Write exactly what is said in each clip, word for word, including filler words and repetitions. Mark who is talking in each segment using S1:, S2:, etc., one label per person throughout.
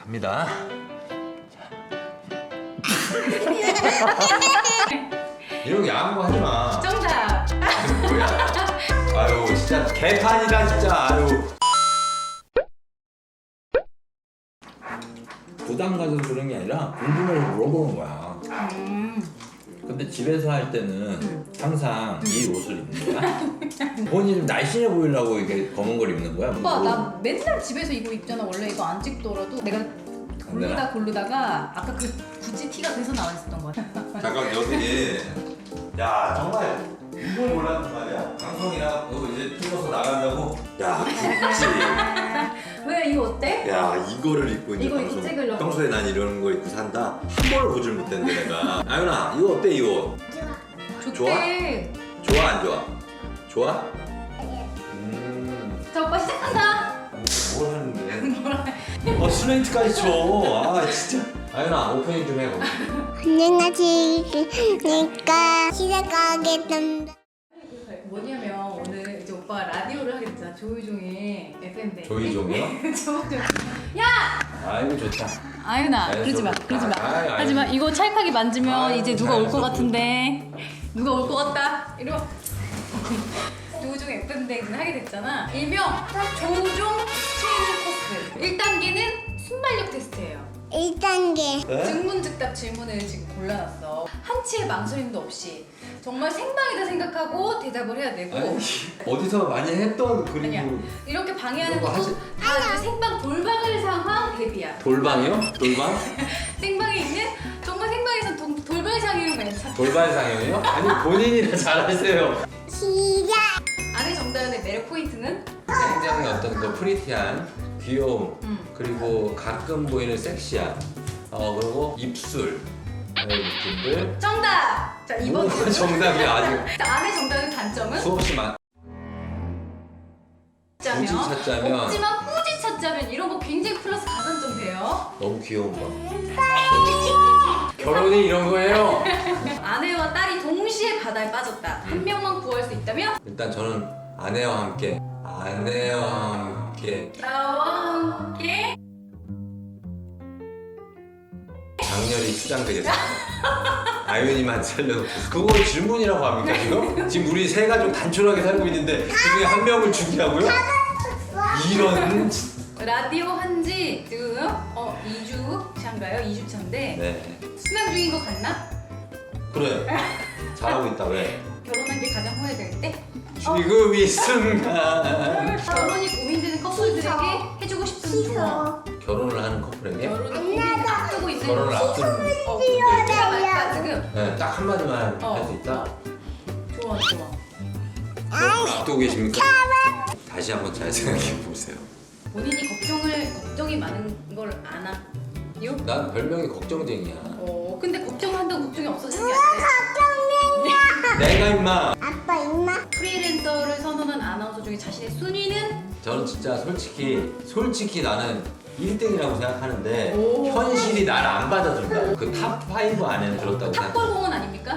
S1: 갑니다. 이런 거 야한 거 하지 마.
S2: 정답.
S1: 뭐야? 아유 진짜 개판이다 진짜. 아유. 부담 가져서 그런 게 아니라 궁금해서 물어보는 거야.
S2: 음.
S1: 근데 집에서 할 때는
S2: 음.
S1: 항상 이 옷을 입는 거야? 본인이 좀 날씬해 보이려고 이렇게 검은 걸 입는 거야?
S2: 오빠 나 맨날 집에서 이거 입잖아. 원래 이거 안 찍더라도 내가 고르다 고르다가 아까 그 굳이 티가 그래서 나와 있었던 거야.
S1: 잠깐 여기 야 정말 이걸 몰랐단 말이야. 방송이나 그거 이제 찍어서 나간다고. 야 굳이.
S2: 왜 이거 어때?
S1: 야 이거를 입고 이제
S2: 이거 입고
S1: 방송.
S2: 찍으려고.
S1: 평소에 난 이런 거 입고 산다. 한 번을 보질 못했는데 내가. 아윤아 이거 어때 이거?
S2: 좋대.
S1: 좋아 안 좋아? 좋아? 음.
S2: 자 오빠 시작한다.
S1: 뭘 하는데? 어 슬레이트까지 쳐. 아 진짜. 아윤아 오프닝 좀 해.
S3: 안녕하십니까. 시작하겠습니다.
S2: 뭐냐면 오늘 이제 오빠가 라디오를 하게 됐잖아. 조이종의 에프엠 대.
S1: 조이종이요?
S2: 조이종. 야!
S1: 아이고 좋다.
S2: 아윤아
S1: 아유,
S2: 그러지 마.
S1: 좀-
S2: 그러지 마.
S1: 아유, 아유.
S2: 하지 마. 이거 찰칵이 만지면
S1: 아유,
S2: 이제 누가 올 것
S1: 잘했어.
S2: 같은데. 누가 올 것 같다. 이러. 조우종 에프엠 대행진 하게 됐잖아. 일명 조우종 트레이닝 코스. 일 단계는 순발력 테스트예요.
S3: 일 단계.
S2: 증문즉답 질문을 지금 골라놨어. 한치의 망설임도 없이 정말 생방이다 생각하고 대답을 해야 되고.
S1: 아니, 어디서 많이 했던 그리고
S2: 아니야. 이렇게 방해하는
S1: 이거
S2: 것도
S1: 하지-
S2: 다 이제 생방 돌방을 상황 대비야.
S1: 돌방이요? 돌방?
S2: 생방에 있는 정말 생방에서 도, 돌발 상황이면 괜찮아.
S1: 돌발 상영이요? 아니 본인이 다 잘하세요.
S3: 시작.
S2: 안에 정다은의 매력 포인트는?
S1: 굉장히 어떤 그 프리티한 귀여움
S2: 음.
S1: 그리고 가끔 보이는 섹시함 어 그리고 입술 이런 느낌들.
S2: 정답! 자 이번
S1: 뭐가 정답이야 아직.
S2: 자, 안에 정다은 단점은?
S1: 수없이 많. 굳이 찾자면
S2: 없지만 꾸지 찾자면 이런 거 굉장히 플러스 가산점 돼요.
S1: 너무 귀여운 거. 결혼이 이런 거예요.
S2: 아내와 딸이 동시에 바다에 빠졌다. 한 명만 구할 수 있다면?
S1: 일단 저는 아내와 함께 아내와 함께
S2: 나와 함께
S1: 장렬히 수장되겠습니다. 아윤이만 살려놓고 그걸 질문이라고 합니까 지금? 지금 우리 세 가족 단촐하게 살고 있는데 그중에 한 명을 죽이라고요? 이런.
S2: 라디오 한지 지금 어 이 주 차인가요? 이 주 차인데
S1: 네
S2: 수면 중인 거 같나?
S1: 그래 잘하고 있다. 왜?
S2: 결혼한 게 가장 후회될 때?
S1: 지금 이 순간
S2: 결혼이 고민되는 커플들에게 해주고 싶은 조언.
S1: 결혼을 하는 커플에게
S2: 결혼을 고민 앞두고 있는
S1: 결혼을 앞둔
S2: 어, 내가 말까 지금
S1: 네, 딱 한마디만
S2: 어.
S1: 할 수 있다?
S2: 조언 조언.
S1: 결혼을 앞두고 계십니까? 다시 한번 잘 생각해 보세요.
S2: 본인이 걱정을 걱정이 많은 걸 아나? 요?
S1: 난 별명이 걱정쟁이야.
S2: 어 근데 걱정한다고 걱정이 없어지는 게 아니라
S1: 내가 임마.
S3: 아빠 임마.
S2: 프리랜서를 선언한 아나운서 중에 자신의 순위는?
S1: 저는 진짜 솔직히 솔직히 나는 일 등이라고 생각하는데
S2: 오.
S1: 현실이 나를 안 받아준다. 그 탑 파이브 안에 들었다고 생각.
S2: 탑골공원 아닙니까?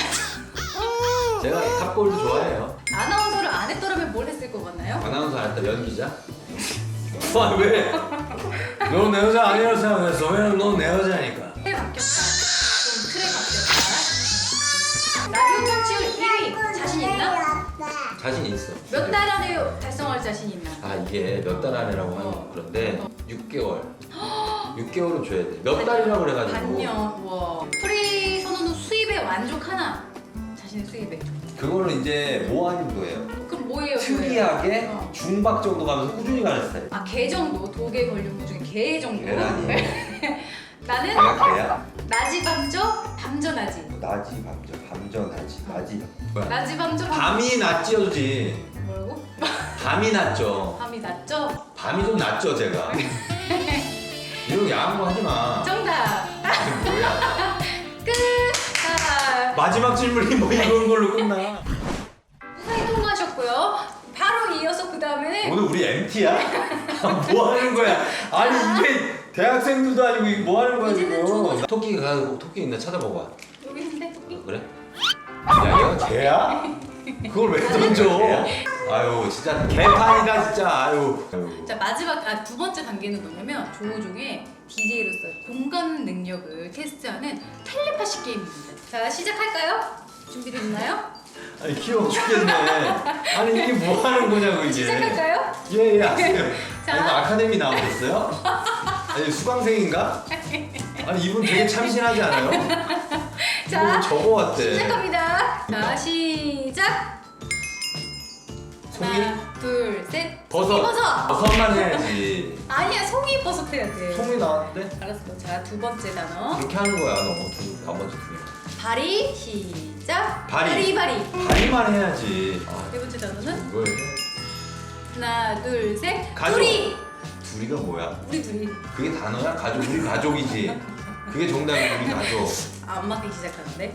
S1: 제가 탑골도 좋아해요.
S2: 아나운서를 안 했더라면 뭘 했을 것 같나요?
S1: 아나운서 안 했다 연기자. 와 왜? 너 내 여자 아니라고 생각했어. 왜냐면 넌 내 여자니까.
S2: 틀에 바뀌었다. 좀 틀에 바뀌었다. 라디오 청취율 일 위 자신 있나?
S1: 자신 있어.
S2: 몇 달 안에 달성할 자신 있나?
S1: 아 이게 몇 달 안에라고 하는
S2: 어.
S1: 그런데
S2: 어.
S1: 육 개월. 육 개월은 줘야 돼. 몇 달이라고 그래가지고.
S2: 반년. 와. 프리 선언 후 수입에 만족하나? 자신의 수입에.
S1: 그거는 이제 모아진 거예요.
S2: 그럼 뭐예요?
S1: 특이하게
S2: 어.
S1: 중박 정도 가면서 꾸준히 가는 스타일.
S2: 아, 개 정도. 독에 걸린 것 중에 개 정도.
S1: 계란이.
S2: 나는
S1: 내가 개야?
S2: 낮이 밤저 밤저 낮이.
S1: 낮이 밤저 밤저 낮이 낮이. 뭐야?
S2: 낮이 밤저 밤.
S1: 밤이 낮지어지.
S2: 뭐라고?
S1: 밤이 낮죠.
S2: 밤이 낮죠?
S1: 밤이 좀 낮죠 제가. 이런 거 야한 거 하지 마.
S2: 정답.
S1: 이게 뭐야?
S2: 끝. 자,
S1: 마지막 질문이 뭐 이런 걸로 끝나?
S2: 무사히 통과하셨고요. 바로 이어서 그 다음에는
S1: 오늘 우리 엠티야? 뭐 하는 거야? 아니 이게 대학생들도 아니고 이게 뭐 하는 거야
S2: 이제는
S1: 지금? 토끼가 가고 토끼 있나 찾아봐봐.
S2: 여기 있는데 토끼.
S1: 그래? 야 얘가 개야? 그걸 왜 던져? 아유 진짜 개판이다 진짜. 아유. 아유.
S2: 자 마지막 아, 두 번째 단계는 뭐냐면 조우종의 디제이로서 공감 능력을 테스트하는 텔레파시 게임입니다. 자, 시작할까요? 준비됐나요?
S1: 아니 귀여워 죽겠네. 아니 이게 뭐 하는 거냐고 이게.
S2: 시작할까요?
S1: 예예 아세요.
S2: 자.
S1: 아니, 이거 아카데미 나오셨어요? 아니 수강생인가? 아니 이분 되게 참신하지 않아요?
S2: 자,
S1: 이거 적어 왔대.
S2: 시작합니다. 자, 시작.
S1: 송이?
S2: 하나, 둘, 셋.
S1: 버섯.
S2: 버섯.
S1: 버섯만 해야지.
S2: 아니야, 송이 버섯 해야 돼.
S1: 송이 나왔대?
S2: 알았어. 자, 두 번째 단어.
S1: 그렇게 하는 거야 너. 두, 한 번째 두 개.
S2: 바리. 시작.
S1: 바리.
S2: 바리. 바리.
S1: 다리만 해야지. 아,
S2: 세 번째 단어는
S1: 이걸 해.
S2: 하나, 둘, 셋.
S1: 가족.
S2: 둘이.
S1: 둘이가 뭐야?
S2: 우리 둘이.
S1: 그게 단어야? 가족 우리 가족이지. 그게 정답이 우리 가족.
S2: 아, 안 맞기 시작하는데.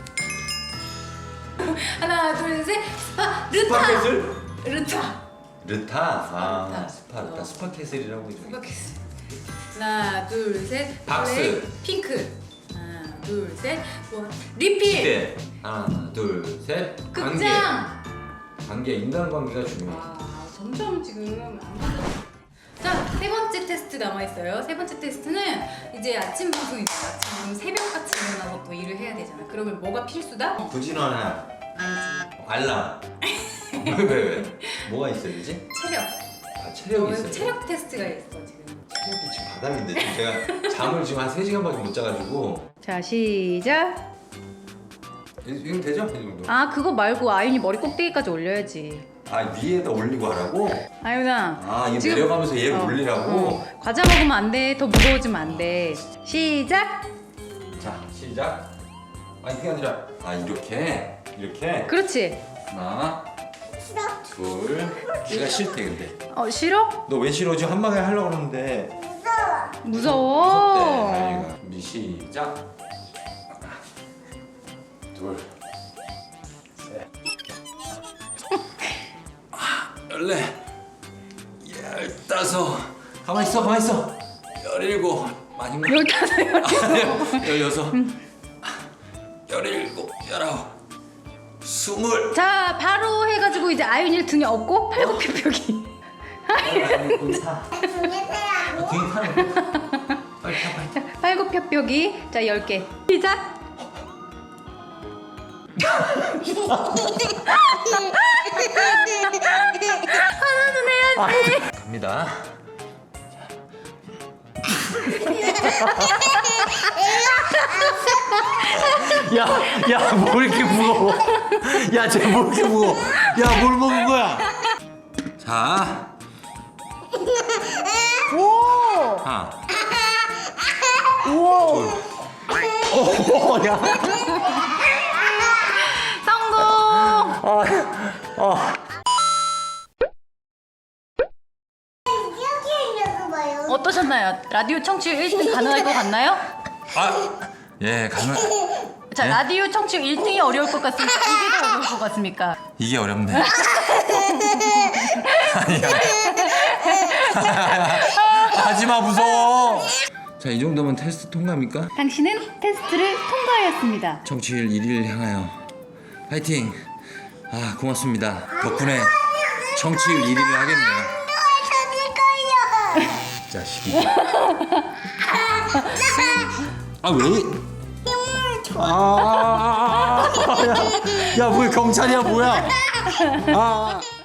S2: 하나, 둘, 셋. 스파. 르타.
S1: 스파켓을?
S2: 르타.
S1: 르타. 아
S2: 스파르타.
S1: 스파르타.
S2: 어.
S1: 스파켓을이라고 해줘.
S2: 스파켓스. 하나, 둘, 셋.
S1: 박스.
S2: 블랙, 핑크. 하나, 둘, 셋. 원. 리필.
S1: 시대. 하나 둘 셋. 관계.
S2: 극장.
S1: 관계 인간관계가 중요해.
S2: 와, 점점 지금 안 맞아. 자, 세 번째 테스트 남아 있어요. 세 번째 테스트는 이제 아침 방송이잖아. 아침 새벽같이 일어나서 또 일을 해야 되잖아. 그러면 뭐가 필수다? 어,
S1: 부진원아.
S2: 아니지.
S1: 알람. 왜 왜 왜? 뭐가 있어야 되지?
S2: 체력.
S1: 아 체력이 있어요.
S2: 체력 테스트가 있어 지금.
S1: 체력이 지금 바닥인데 지금 제가 잠을 지금 한 세 시간밖에 못 자가지고.
S2: 자, 시작.
S1: 이거 되죠? 이 정도.
S2: 아, 그거 말고 아윤이 머리 꼭대기까지 올려야지.
S1: 아 위에다 올리고 하라고?
S2: 아윤아.
S1: 아 이거
S2: 지금-
S1: 내려가면서 얘
S2: 어,
S1: 올리라고?
S2: 어. 과자 먹으면 안 돼. 더 무거워지면 안 돼. 시작.
S1: 자 시작. 아니 그게 아니라 아 이렇게 이렇게
S2: 그렇지.
S1: 하나 둘. 내가 싫대 근데.
S2: 어, 싫어?
S1: 너 왜 싫어? 지금 한 방에 하려고 그러는데.
S2: 무서워.
S1: 무섭대 아이가. 우리 시작. 하나 둘 셋. 아, 열네 열다섯. 가만 있어 가만 있어. 열일곱. 많이 먹.
S2: 열다섯, 열여섯.
S1: 열여섯. 열일곱. 열아홉. 스물.
S2: 자, 바로 해가지고 이제 아윤이를 등에 업고 팔굽혀펴기.
S1: 거기 타.
S3: 중에 세라고?
S1: 등에 타는 거. 빨리 타 빨리.
S2: 자, 팔굽혀펴기. 자, 열 개. 시작. 하나는 해야지.
S1: 갑니다. 야, 야, 뭐 이렇게 무거워? 야, 쟤 뭐 이렇게 무거워? 야, 뭘 먹은 거야? 자,
S2: 오.
S1: 하나,
S2: 오.
S1: 오, 야,
S2: 성공.
S1: 아, 아.
S3: 이렇게 하려고 봐요.
S2: 어떠셨나요? 라디오 청취율 일 등 가능할 것 같나요?
S1: 아, 예, 가능.
S2: 자,
S1: 네?
S2: 라디오 청취율 일 등이 어려울 것 같습니까? 이게 더 어려울 것 같습니까?
S1: 이게 어렵네. 아니야. 하지마 무서워. 자, 이 정도면 테스트 통과입니까?
S2: 당신은 테스트를 통과하였습니다.
S1: 정치율 일 위를 향하여 파이팅. 아, 고맙습니다. 덕분에 정치율 일 위를 하겠네요.
S3: 찾을 거예요.
S1: 자식이. 아, 왜? 아, 야, 야, 뭐 경찰이야 뭐야? 아.